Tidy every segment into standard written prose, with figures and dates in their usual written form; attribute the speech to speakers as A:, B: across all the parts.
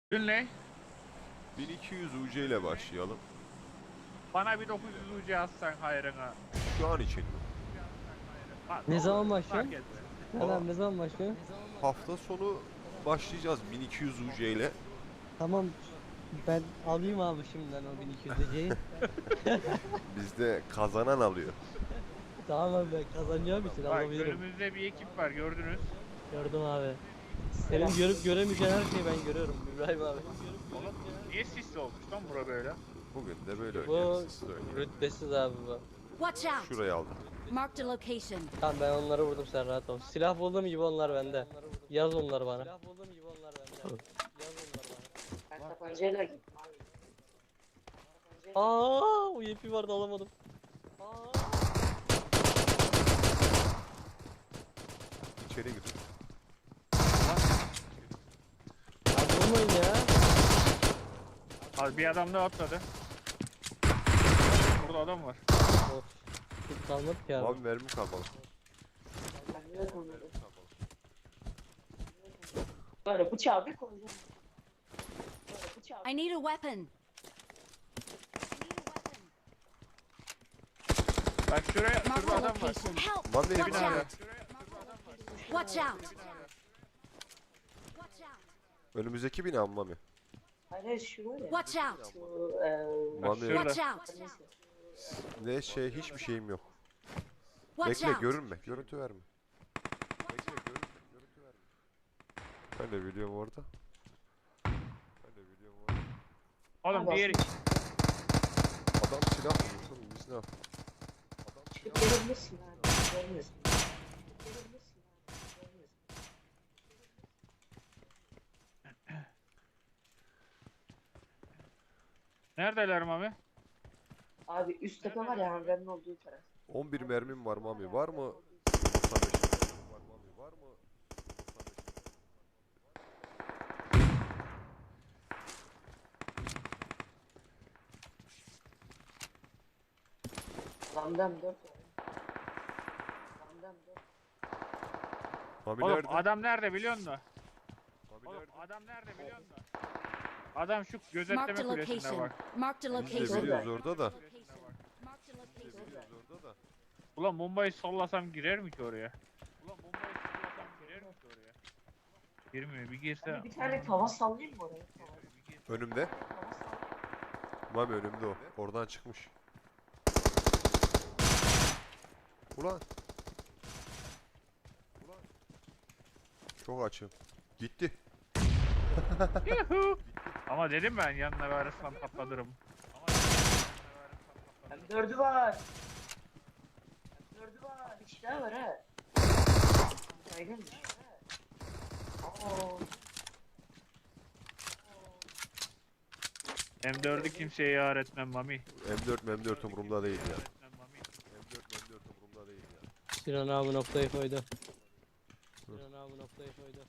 A: Dün ne?
B: 1200 UC ile başlayalım.
A: Bana bir 900 UC atsan hayrına.
B: Şu an için mi?
A: Ha,
C: Ne
A: olur,
C: zaman
A: fark
C: başlıyorsun?
A: etmez.
B: Valla
C: Ne zaman başlıyorsun?
B: hafta sonu başlayacağız 1200 UC ile.
C: Tamam, ben alayım abi şimdiden o 1200 C'yi.
B: Bizde kazanan alıyor.
C: Tamam abi, ben kazanacağım için
A: Bak
C: alabilirim.
A: önümüzde bir ekip var gördünüz.
C: Gördüm abi. Senin görüp göremeyeceğin her şeyi ben görüyorum İbrahim abi.
A: Oğlum niye sisli olmuş lan bura böyle?
B: Bugün de böyle
C: Bu
B: oynuyoruz. Siz de oynayın.
C: rütbesiz abi bu.
D: Watch out!
B: Şurayı aldım.
D: Marked a location.
C: Tamam, ben onları vurdum, sen rahat ol. Silah bulduğum gibi onlar bende. Yaz onları bana. Silah bulduğum gibi onlar bende. Yaz onları bana.
E: Ben tabancayla gittim abi.
C: Aa, o yepi vardı, alamadım. Aa.
B: İçeri gir.
C: Abi vurmayın ya.
A: Abi bir adam da atladı. Burada adam var.
C: Of. Hiç kalmadı ki abi.
B: Abi mermi kalmadı.
E: Ben de konuları. Böyle bıçağı bir koyacağım. Böyle bıçağı
D: I need a weapon.
A: Bak şuraya,
D: Marked
A: şurada
D: a
A: adam var.
D: location. Help!
B: Lan
D: Watch
B: evine
A: abi.
D: out! Watch out! Watch out!
B: Önümüzdeki bina mı Mami?
E: Hayır şu var ya.
D: Watch out!
E: Şu
B: Mami
A: şurada.
D: Watch out!
E: neyse.
B: ne şey hiçbir şeyim yok.
D: Watch
B: Bekle
D: out!
B: görünme. Görüntü verme. Bekle görünme. Görüntü verme. Ben de biliyorum orada. Ben de biliyorum orada.
A: Oğlum diğeri.
B: Adam silah bulmuş oğlum biz ne yapalım?
E: Çıkıp gelebilirsin abi. Gelmesin. Gelebilirsin abi. Gelmesin.
A: Neredeler Mami?
E: Abi üst tepe var ya hangarın olduğu taraf.
B: 11 mermim var Mami. Var mı? 95 mermim var Mami. Var mı? 95
E: Lamdam 4 var. Lamdam 4.
B: Mami
A: Oğlum
B: nerede?
A: adam nerede biliyor musun?
B: Mami
A: Oğlum
B: nerede?
A: adam nerede biliyor musun? Adam şu gözetleme
D: Marked a
A: kulesinde
D: location.
A: bak.
D: Marked a
B: Biz de
D: location.
B: biliyoruz orada da.
D: Marked a
B: Biz de
D: location.
B: biliyoruz orada da.
A: Ulan bombayı sallasam girer mi ki oraya? Ulan bombayı sallasam girer mi ki oraya? Girmiyor bir girse.
E: Abi bir tane tava sallayayım mı oraya? Tava
B: Önümde.
E: sallayayım.
B: Mami önümde o. Oradan çıkmış. Ulan. Ulan. Çok açım. Gitti.
A: Yuhu. Ama dedim ben yanına verirsem patlatırım.
E: M4'ü var. M4'ü var. Bir kişi daha var ha. Saygınmış. Oo.
A: M4'ü kimseye yar etmem Mami.
B: M4 umurumda değil ya.
A: Etmem Mami.
B: M4 umurumda değil ya.
C: Sinan abi noktayı koydu. Sinan abi noktayı koydu.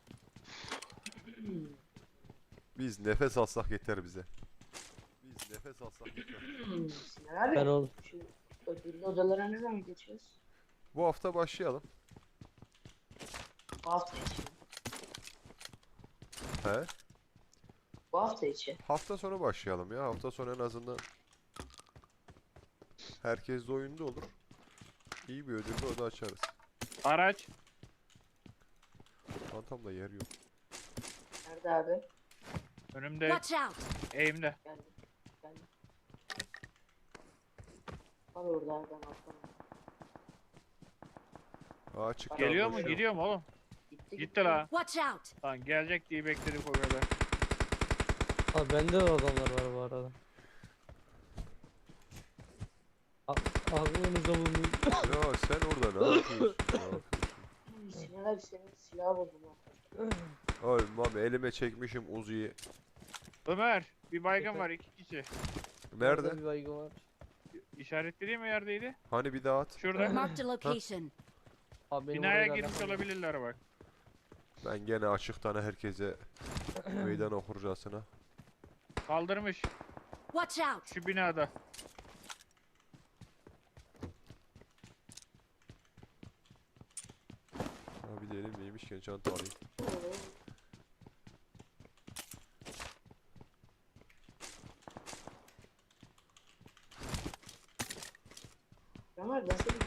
B: Biz nefes alsak yeter bize. Biz nefes alsak yeter.
E: Sinan
C: Ben
E: abi.
C: ol.
E: Şu ödüllü odalara ne zaman geçiyoruz?
B: Bu hafta başlayalım.
E: Bu hafta içi.
B: He?
E: Bu hafta içi.
B: Hafta sonu başlayalım ya. Hafta sonu en azından herkes de oyunda olur. İyi bir ödüllü oda açarız.
A: Araç.
B: Çantamda yer yok.
E: Nerede abi?
A: Önümde.
D: Watch out!
A: Eğimde.
E: Geldim. Geldim. Var orada abi ben atlamam.
B: Açık
A: Geliyor
B: kalmış
A: mu?
B: yok.
A: Gidiyor mu oğlum?
E: Gitti
A: Gitti la.
D: Watch out!
A: Lan gelecek diye bekledik o kadar.
C: Abi bende de adamlar var bu arada. Aklınıza bulunsun.
B: Ya sen orada ne yapıyorsun? Ne yapıyorsun?
E: Sinan abi senin silahı buldum abi.
B: Ay mami elime çekmişim Uzi'yi.
A: Ömer. Bir baygın var 2 kişi.
B: Nerede?
C: Bir baygın var.
A: İşaretlediğim mi yerdeydi?
B: Hani bir daha at.
A: Şurada.
D: Marked a location.
C: Abi benim
A: Binaya
C: oraya
A: girmiş
C: gelmem.
A: olabilirler bak.
B: Ben gene açıktan herkese meydan okurcasına.
A: Kaldırmış.
D: Watch out!
A: Şu binada.
B: Abi de elimdeymişken çanta alayım.
E: Ama ben seni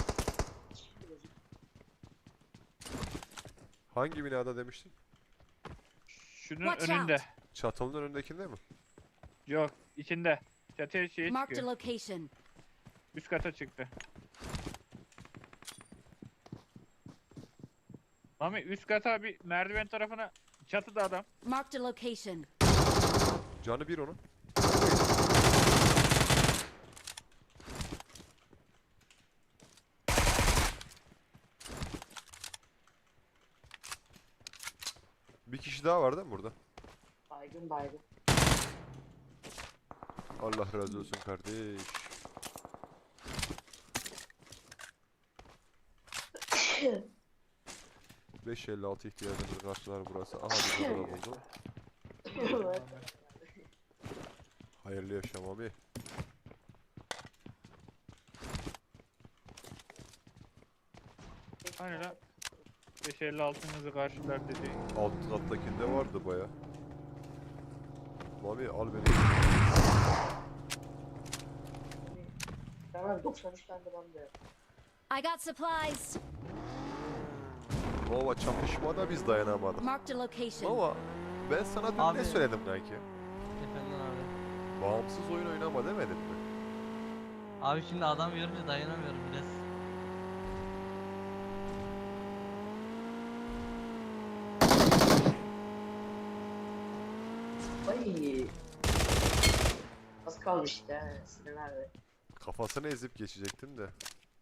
B: Hangi binada demiştin?
A: Şunun
D: Watch
A: önünde.
D: out.
B: Çatının önündekinde mi?
A: Yok, içinde. Çatıya şeye
D: Marked a
A: çıkıyor.
D: location.
A: Üst kata çıktı. Mami üst kata bir merdiven tarafına çatıda adam.
D: Marked a location.
B: Canı bir onun. Bir kişi daha var değil mi burada?
E: baygın.
B: Allah razı olsun kardeş. 556 ihtiyacımızı karşılar burası. Aha bir numara buldum. Hayırlı yaşam abi.
A: Hani lan 556'nızı karşılar dedi.
B: Alt kattakinde vardı baya. Mami al beni.
E: Tamam 93 tane de ben de.
D: I got supplies.
B: Nova çatışmada biz dayanamadık.
D: Marked a location.
B: Nova ben sana dün
C: Abi.
B: ne söyledim kanki?
C: Efendim abi.
B: Bağımsız oyun oynama demedim mi?
C: Abi şimdi adam görünce dayanamıyorum biraz.
E: Ay. Az kaldı işte ha, Sinan abi.
B: Kafasını ezip geçecektim de.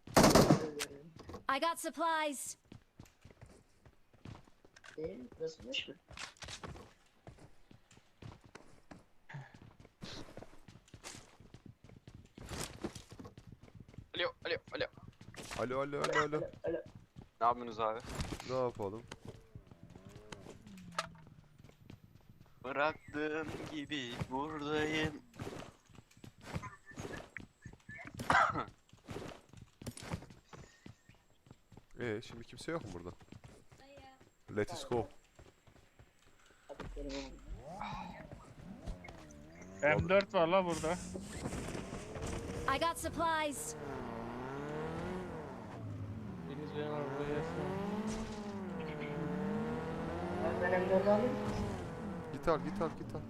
D: I got supplies.
E: Nasılmış mı?
F: Alo, alo, alo.
B: Alo alo alo alo.
E: Alo.
F: Ne yapıyorsunuz abi?
B: Ne yapalım?
F: Bıraktığım gibi buradayım.
B: Şimdi kimse yok mu burada? Let's go.
E: Hadi benim oğlum.
A: M4 var la burada.
D: I got supplies.
C: Deniz benim arabaya gelsin.
E: Ben M4'ü alayım.
B: Git al git al git al.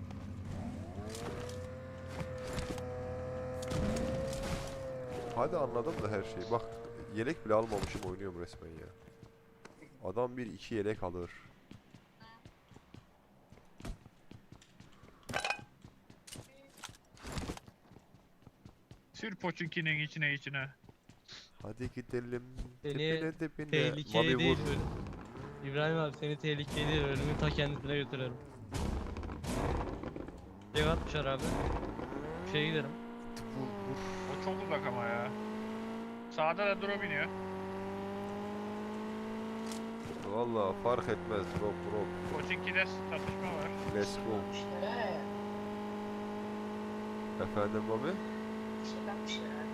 B: Hadi anladım da her şeyi. Bak yelek bile almamışım oynuyorum resmen ya. Adam bir iki yelek alır.
A: Sür Poçinki'nin içine.
B: Hadi gidelim.
C: Seni
B: Dibine dibine.
C: tehlikeye
B: Mami
C: değil
B: vur.
C: öyle. İbrahim abi seni tehlikeye değil ölümün ta kendisine götürelim. Şey atmışlar abi. Şeye giderim.
A: O çok uzak ama ya. Sağda da drop iniyor.
B: Valla fark etmez. Drop drop.
A: Poçinki'de çatışma var.
B: Let's go.
E: İşte ha.
B: Efendim Mami?
E: İşte kalmışlar abi.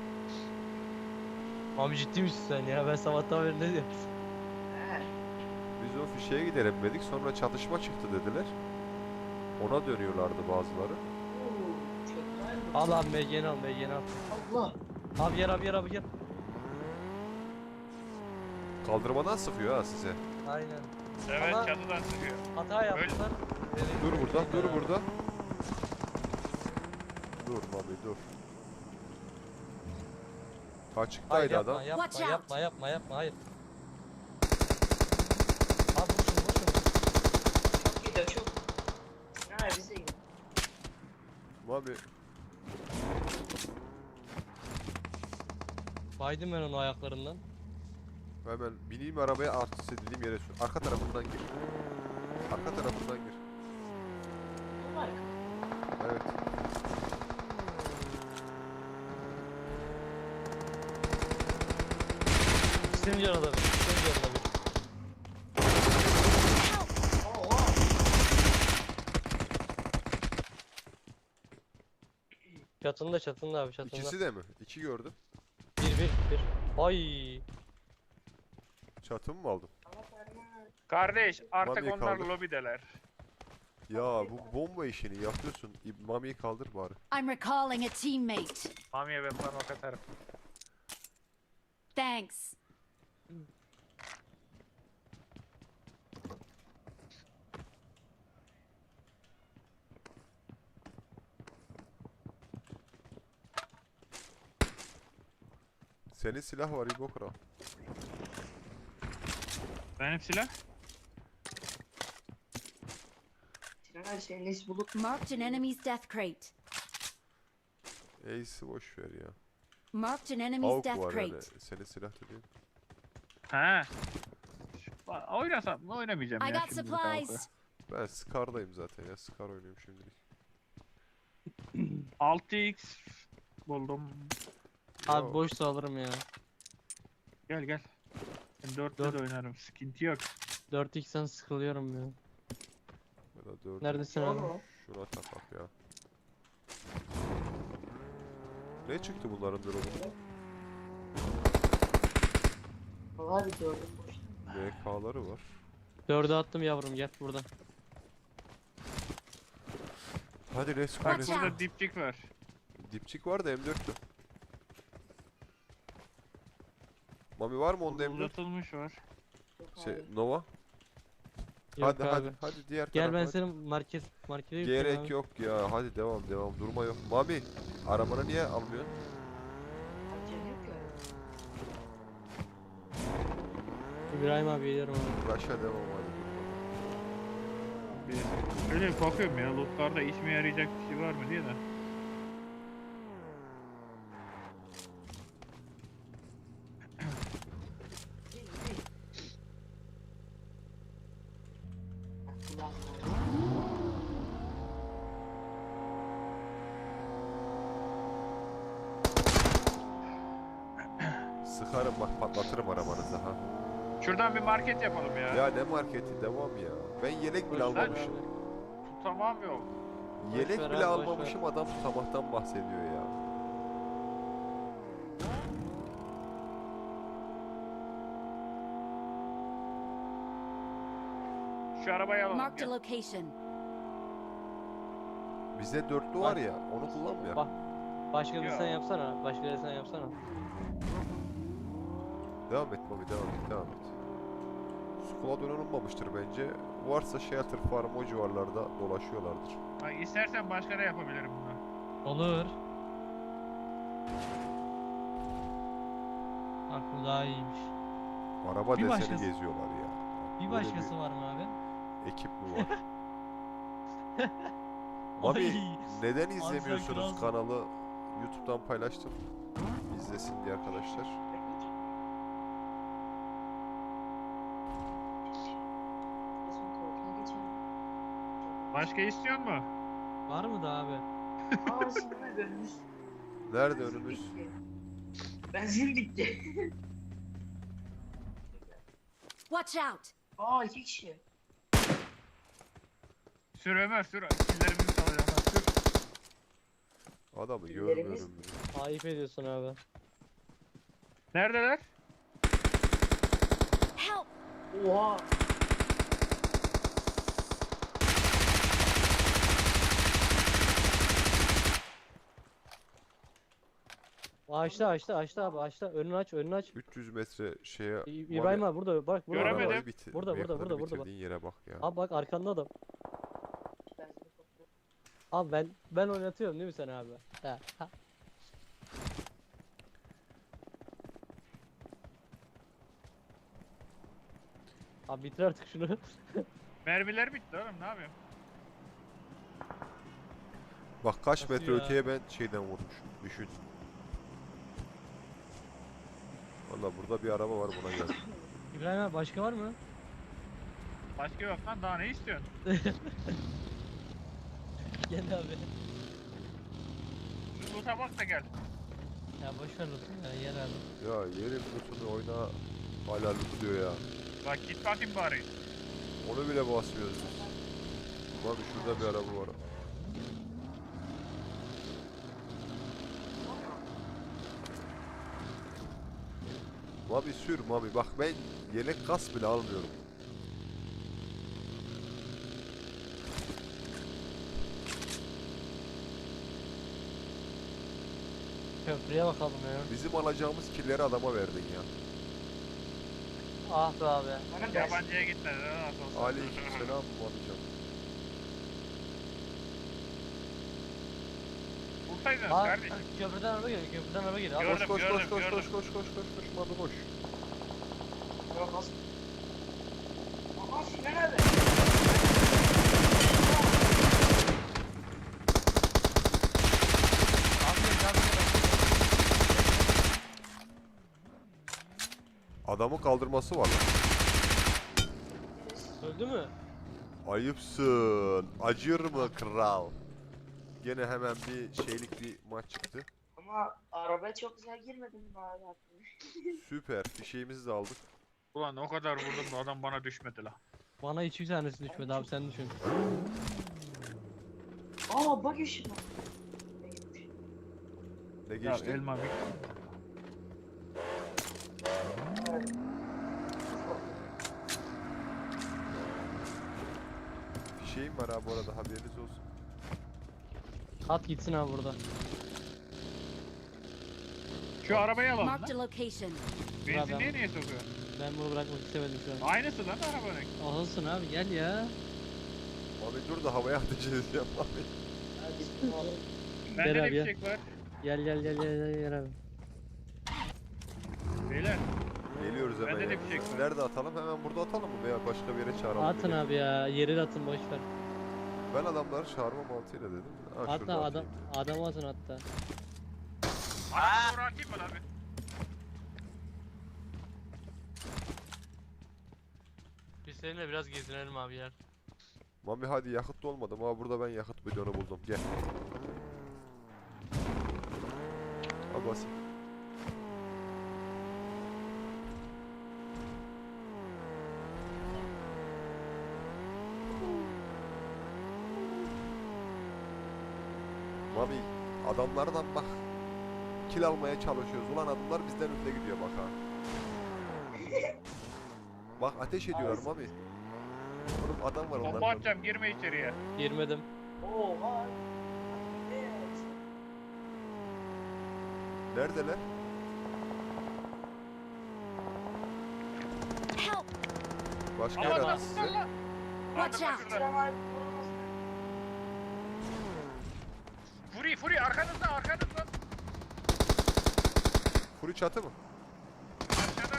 C: Abi ciddi misin sen ya? Ben sabahtan beri ne diyorum?
E: Ha.
B: Biz o fişeye gidelim dedik. Sonra çatışma çıktı dediler. Ona dönüyorlardı bazıları.
E: Oo, çok güzel bu.
C: Al abi MG'ni al MG'ni al.
E: Allah.
C: Abi gel abi gel abi gel.
B: Kaldırmadan sıkıyor ha size.
C: Aynen.
A: Evet
C: Ama-
A: çatıdan sıkıyor.
C: Hata yaptılar.
B: Dur burada, dur burada. Dur Mami dur.
C: Hayır
B: Açıktaydı
C: yapma,
B: adam.
C: yapma,
D: Watch out.
C: yapma, yapma, yapma, hayır. Abi vur şunu, vur şunu.
E: Çok gidiyor çok. Sinan abi bize gidiyor.
B: Mami
C: Baydım ben onu ayaklarından.
B: hemen bineyim arabaya artist edildiğim yere sür. Arka tarafından gir. Arka tarafından gir.
E: Bu var.
B: Evet.
C: İkisinin canı da bir, ikisinin canı da bir.
E: Oha.
C: Çatında abi, çatında.
B: İkisi de mi? İki gördüm.
C: Bir. Ay.
B: Çatımı mı aldım?
E: Ama parmağı.
A: Kardeş artık
B: Mami'yi
A: onlar
B: kaldır.
A: lobideler.
B: Ya bu bomba işini yapıyorsun. Mami'yi kaldır bari.
D: I'm recalling a teammate.
A: Mami'ye ben parmak atarım.
D: Thanks.
B: Senin silah var İbo Kral.
A: Benim silah.
E: Sinan abi senin nesi bulup
D: Marked an enemy's death crate.
B: Ace'i boş ver ya.
D: Marked an enemy's
B: AUK
D: death
B: var yani.
D: crate.
B: Senin silah dediğin.
A: He. Oynasam mı oynamayacağım
D: I
A: ya
D: got
A: şimdi kavga.
D: supplies.
B: Ben Scar'dayım zaten ya. Scar oynuyorum şimdilik.
A: 6x buldum.
C: Abi
B: Yo,
C: boşsa alırım ya.
A: Gel gel. Ben 4'te de oynarım. Sıkıntı yok.
C: 4x'ten sıkılıyorum ya.
B: ya da 4'ü
C: Neredesin abi?
E: Oğlum.
B: şuna takak ya. Ne çıktı bunların durumu?
E: Vallahi bir gördüm boşta.
B: MK'ları var.
C: 4'e attım yavrum gel buradan.
B: Hadi let's go.
A: Bak
B: let's
D: Watch
B: go.
A: burada dipçik var.
B: Dipçik var da M4'tü. Mami var mı onda M4?
A: Uzatılmış var.
E: Yok
B: Şey
E: abi.
B: Nova.
C: Yok
B: Hadi
C: abi.
B: hadi diğer
C: Gel
B: tarafa.
C: ben
B: hadi.
C: senin markete götüreyim
B: Gerek
C: abi.
B: yok ya. Hadi devam durma yok. Mami arabanı niye almıyorsun?
E: Acele yok ya.
C: İbrahim abi geliyorum abi.
B: Rush'a devam hadi.
A: Öyle bir bakıyorum ya. Lootlarda işime yarayacak bir şey var mı diye de.
E: Değil, değil. Ulan,
B: Sıkarım bak patlatırım arabanızı ha.
A: Şuradan bir market yapalım ya.
B: Ya ne marketi devam ya. Ben yelek bile
C: Boş ver
B: almamışım.
C: abi.
A: Tutamam yok.
B: Yelek
C: ver
B: bile
C: abi, boş
B: almamışım adam tutamaktan bahsediyor ya.
A: Şu arabayı alalım.
D: Marked a
A: Gel.
D: location.
B: Bize dörtlü var ya onu kullanmıyor.
C: Bak. Başka bir
A: Ya.
C: sen yapsana. Başka bir sen yapsana.
B: Devam et Mami devam et. Squad unutmamıştır bence. Varsa Shelter Farm o civarlarda dolaşıyorlardır.
A: Bak istersen başka da yapabilirim bunu.
C: Olur. Bak bu daha iyiymiş.
B: Araba
C: Bir
B: deseni
C: başkası-
B: geziyorlar ya.
C: Bir
B: Böyle
C: başkası var mı abi?
B: ekip mi var? Mami
C: Ay,
B: neden
C: sen
B: izlemiyorsunuz
C: kralsın.
B: kanalı? YouTube'dan paylaştım. İzlesin diye arkadaşlar.
E: Bizim tuvaletine geçelim.
A: Başka istiyor mu?
C: Var mı da abi?
E: Aa Sinan abi önümüz.
B: Nerede
E: Benzin
B: önümüz?
E: bitti. Benzin bitti.
D: Watch out.
E: Aa 2 kişi.
A: Sür Ömer sür. Killerimizi salacağım. Sür.
B: Adamı
E: Birilerimiz-
B: görmüyorum ya.
C: Ayıp ediyorsun abi.
A: Neredeler?
D: Help.
E: Oha.
C: Açtı abi açtı. Önünü aç.
B: 300 metre şeye...
C: İbrahim abi burada bak burada.
A: Göremedim.
B: arabayı bitir.
C: Burada,
B: yakını
C: burada, bak.
B: bitirdiğin yere bak ya.
C: Abi bak arkanda adam.
E: Benzin topluyor.
C: Abi ben oynatıyorum değil mi sen abi? Ha. Abi bitir artık şunu.
A: Mermiler bitti oğlum ne yapayım?
B: Bak kaç
C: Nasıl
B: metre
C: ya?
B: öteye ben şeyden vurmuşum. Düşün. Valla burada bir araba var buna gel.
C: İbrahim abi başka var mı?
A: Başka yok lan daha ne istiyorsun?
C: Gel abi.
A: Şu loot'a bak da gel.
C: Ya boş ver lütfen ya yer abi.
B: Ya yerin lootunu oyna hala loot diyor ya.
A: Bak git bakayım bari.
B: Onu bile basmıyoruz biz. Abi şurada bir araba var. Mami sür Mami bak ben yelek kas bile almıyorum.
C: Köprüye bakalım ya.
B: Bizim alacağımız killeri adama verdin ya.
C: Ah be abi.
E: Bana ben
A: Yabancıya gitmedi. Nasıl olsa.
B: Aleykümselam Mami'cim.
A: Vursaydınız
C: Aa,
A: kardeşim.
C: köprüden araba geliyor. Köprüden araba geliyor. Abi,
A: Gördüm,
B: Koş
A: gördüm,
B: koş
A: gördüm.
B: koş Mami koş.
E: Yok az. Aha Sinan abi.
B: Adamın kaldırması var lan.
C: öldü mü?
B: Ayıpsın. Acır mı kral? Gene hemen bir şeylik bir maç çıktı.
E: Ama arabaya çok güzel girmedim mi abi aklıma?
B: Süper. Fişeğimizi de aldık.
A: Ulan o kadar vurdum da adam bana düşmedi la.
C: Bana hiçbir tanesi düşmedi abi sen düşün.
E: Aa bak işim var.
B: Ne
A: Ya
B: geçti?
A: elma bir.
B: Fişeğim var abi bu arada haberiniz olsun.
C: At gitsin abi burada.
A: Şu arabayı alalım
D: Marked a
A: lan.
D: location.
A: Benzinliğe niye sokuyor?
C: Ben bunu bırakmak istemedim şu an.
A: Aynısı lan arabanın.
C: Olsun abi gel ya.
B: Abi dur da havaya ateş edeceğim abi.
A: Bende
C: Gel
A: de
C: abi ya.
A: bir şey var.
C: Gel abi.
A: Beyler.
B: Geliyoruz hemen.
A: Bende de
B: yanınıza.
A: bir şey var.
B: Nerede atalım? Hemen burada atalım mı? Veya başka bir yere çağıralım.
C: Atın
B: beni?
C: abi ya. Yeri de atın boş ver.
B: Ben adamları çağırma mantığıyla dedim. Ha,
C: Hatta
B: şurada
C: adam
B: atayım.
C: adamı atın hatta.
A: Arabayı doğru atayım mı abi?
C: Biz seninle biraz gezinelim abi yer.
B: Mami hadi yakıt da olmadı ama burada ben yakıt bidonu buldum. Gel. Al basayım. Mami adamlardan bak kill almaya çalışıyoruz. Ulan adamlar bizden önde gidiyor bak ha. Bak ateş ediyorlar Mami. Oğlum adam var
A: Bomba
B: onların.
A: atacağım girme içeriye.
C: Girmedim.
E: Oha. Evet.
B: Neredeler?
D: Help!
B: Başka
A: Aman
B: yer
A: lan
B: attı size.
A: lan.
D: Watch
A: Aldım
D: out.
A: şuradan.
E: Sinan abi vurulmaz.
A: Furi arkanızda.
B: Furi çatı mı?
A: Aşağıda.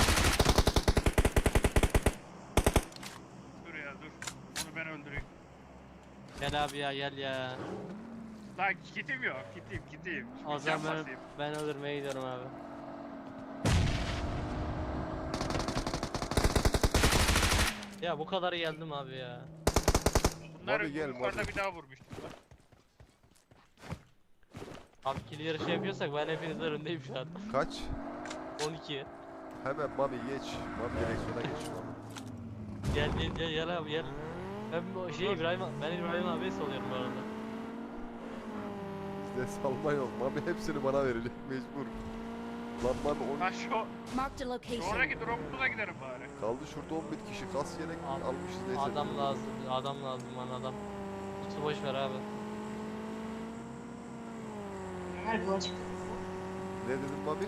A: Dur ya dur. Onu ben öldüreyim.
C: Gel abi ya gel ya.
A: Lan kitim yok. Kitim.
C: O
A: Can
C: zaman
A: basayım.
C: ben öldürmeye gidiyorum abi. Ya bu kadar geldim abi ya.
A: Bunları
B: Abi gel,
A: yukarıda
B: Mabi.
A: bir daha vurmuştum lan.
C: Abi kill yarışı yapıyorsak ben hepinizden öndeyim şu an.
B: Kaç?
C: 12.
B: Hemen Mami geç. Mami direksiyona geç Mami.
C: Gel abi gel. Ben bu ben İbrahim abiye salıyorum bu arada.
B: Bizde salma yok. Mami hepsini bana verecek mecbur. Lan Mami
A: Ha şu
D: Marked a location.
A: sonraki drop'umuza giderim bari.
B: kaldı şurada 11 kişi. Kas yelek
C: Abi,
B: almışız neyse.
C: Adam lazım bana adam. Kutu boş ver abi.
E: Sinan abi yola çıktı.
B: Ne dedin Mami?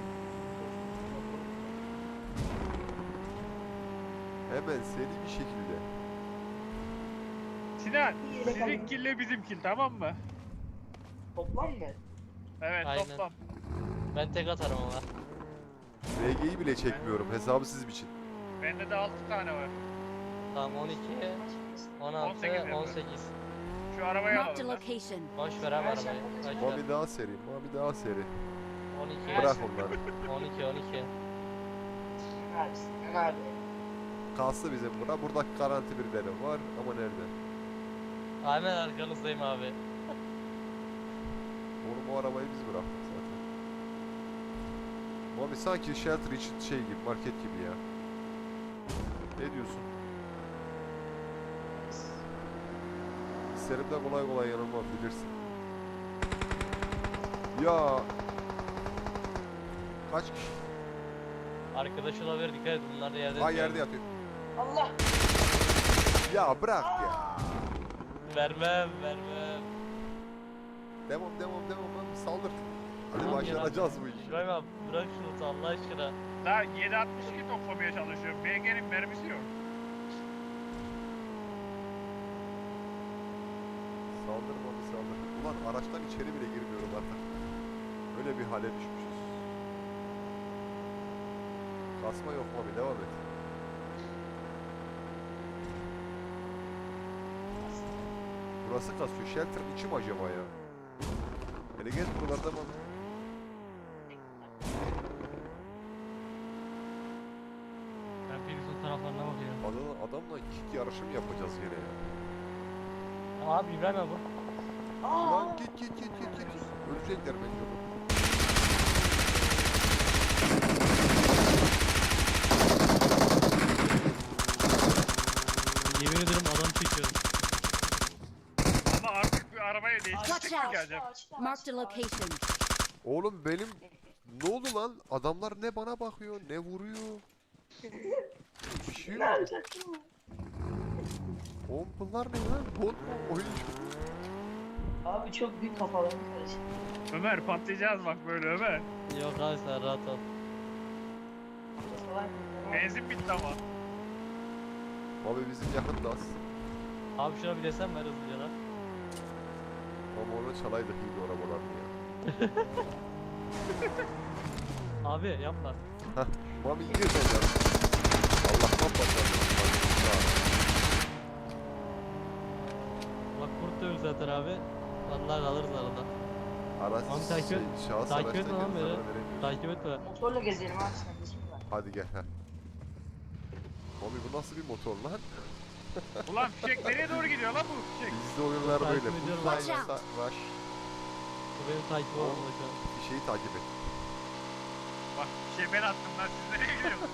B: Hemen seri bir şekilde.
A: Sinan
E: Bir yere
A: sizin
E: kaldım.
A: kille bizim kill tamam mı?
E: Toplam mı?
A: Evet
C: Aynen.
A: toplam.
C: Ben tek atarım ama.
B: RG'yi bile çekmiyorum. Hesabı siz biçin.
A: Bende de 6 tane var.
C: Tamam 12, 16,
A: 18 yapıyor.
C: 18.
A: Şu arabayı
D: Marked a
A: alalım. lan.
D: location.
C: Boş ver abi arabayı. Boş ver.
B: Mami daha seri. Mami daha seri.
C: 12.
B: Bırak onları.
C: 12.
E: Sinan abi.
B: Kalsı bizim bura. Burada garanti birileri var ama nerede?
C: Hemen arkanızdayım abi.
B: Oğlum o arabayı biz bıraktık zaten. Mami sanki shelter için şey gibi, market gibi ya. Ne diyorsun? Hislerimde kolay kolay yanılmam bilirsin. Ya kaç kişi?
C: Arkadaş olabilir dikkat et bunlar da yerde.
B: Ha yerde yatıyor.
E: Allah.
B: Ya bırak ya.
C: Vermem.
B: Devam Mami saldır. Hadi
C: Tamam,
B: başaracağız bu işi.
C: İbrahim abi bırak şunu Allah aşkına.
A: Daha 7.62 toplamaya çalışıyorum. BG'nin mermisi yok.
B: Saldırma bir saldır. Ulan araçtan içeri bile girmiyorum artık. Öyle bir hale düşmüşüz. Kasma yok Mami, devam et. Burası kasıyor. Shelter'ın içi mi acaba ya? Hele gel buralarda Mami.
C: Ben Filiz'in taraflarına bakıyorum.
B: Adamla kick yarışı mı yapacağız yine ya?
C: Abi İbrahim abi bu.
B: Lan git. Ölecekler bence oğlum.
C: Yemin ederim adam çekiyorum.
A: Ama artık bir arabaya
D: Watch
A: değiştirdik mi
D: out.
A: geleceğim?
D: Marked a location.
B: Oğlum benim ne oldu lan? Adamlar ne bana bakıyor ne vuruyor. Bir şey yok. Oğlum bunlar ne lan? Bot mu? Oyuncu.
E: Abi çok büyük kafalarım karıştı.
A: Ömer patlayacağız bak böyle Ömer.
C: Yok abi sen rahat ol.
A: Benzin bitti ama.
B: Abi bizim yakındaz.
C: Abi şuna bir desem ver hızlıca lan.
B: Ama onu çalaydık iyi arabalarını ya.
C: Abi yapma.
B: Mami gir sen ya. Allah'tan patladı.
C: Bak kurtuyorum zaten abi. Vallahi kalırız arada.
B: Araç
C: Mami takip et.
B: şahıs
C: Takip
B: araçtan
C: etme lan
B: gelip
C: beni.
B: zarar veremiyoruz.
C: Takip etme.
E: Motorla gezelim abi sen de şimdi var.
B: Hadi gel ha. Mami bu nasıl bir motor lan?
A: Ulan fişek nereye doğru gidiyor lan bu fişek?
B: Bizde oyunlar
C: Takip
B: böyle.
C: ediyorum.
B: Bullseye,
D: Watch out.
B: Rush.
C: Bu benim takip olmalı şu an.
B: Bir şeyi takip et.
A: Bak fişeği ben attım lan siz nereye gidiyorsunuz?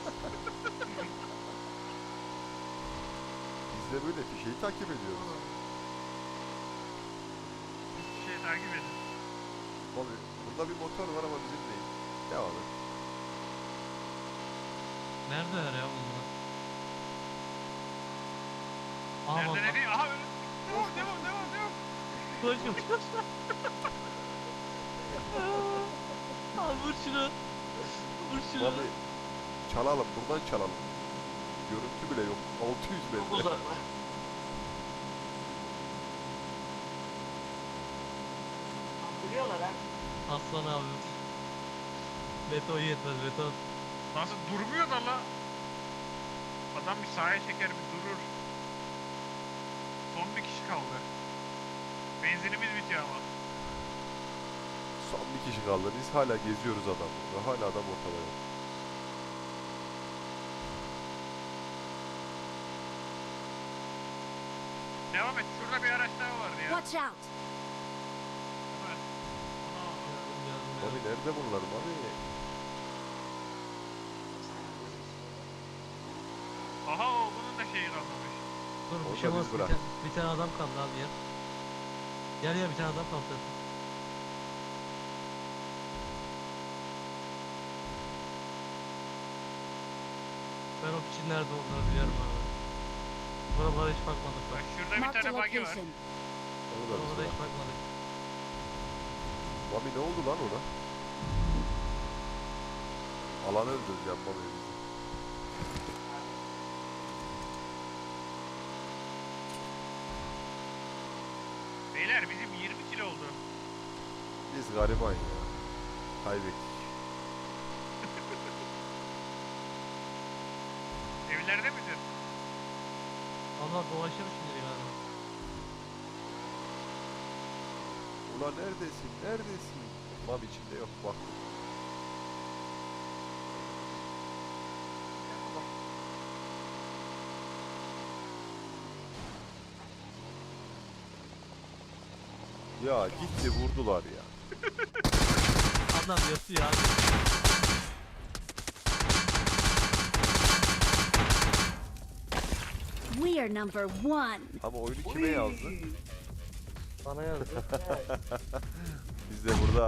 B: Biz de böyle bir şeyi takip ediyoruz.
A: Fişeği takip edin.
B: Mami burada bir motor var ama bizim değil. Devam et.
C: Neredeler ya bunlar? Aa
A: Nerede
C: bak.
A: ne değil? Aha öyle. Devam.
C: Koş koş. Abi vur şunu. Vur şunu.
B: Mami çalalım buradan çalalım. Görüntü bile yok. 600
E: Çok
B: metre.
E: uzaklar. Duruyorlar ha.
C: Aslan abi. Beton yetmez beton.
A: Nasıl durmuyor da la? Adam bir sağa çeker bir durur. Son bir kişi kaldı. Benzinimiz bitiyor ama.
B: Son bir kişi kaldı. Biz hala geziyoruz adamı. Ve hala adam ortada yok.
A: Devam et. Şurada bir araç daha vardı ya.
D: Watch out.
A: Ömer.
B: Mami nerede bunlar Mami?
A: Aha o bunun da şeyi kalmamış.
C: Dur
B: Onu
C: bir şey
B: da biz
C: olmaz.
B: bırak.
C: Bir tane adam kaldı abi ya. Gel ya bir tane adam kaldı. Ben o kişinin nerede olduğunu biliyorum abi. Buralara hiç bakmadık
A: Bak
C: bak.
A: şurada bir
D: Marked a
A: tane buggy var.
D: location.
B: Onu da biz
C: Buralara
B: bırak.
C: hiç bakmadık.
B: Mami ne oldu lan ona? Alanı öldüreceğim Mami bizi.
A: Beyler bizim 20 kilo oldu.
B: Biz gariban ya. Kaybettik.
A: Evlerde misin?
C: Allah dolaşıyor şimdi galiba.
B: Ulan neredesin? Neredesin? Mami içinde yok bak. Ya gitti vurdular ya.
C: Adam yatıyor abi.
D: We are number one.
B: Ama oyunu kime yazdı?
C: Bana yazdı.
B: Biz de burada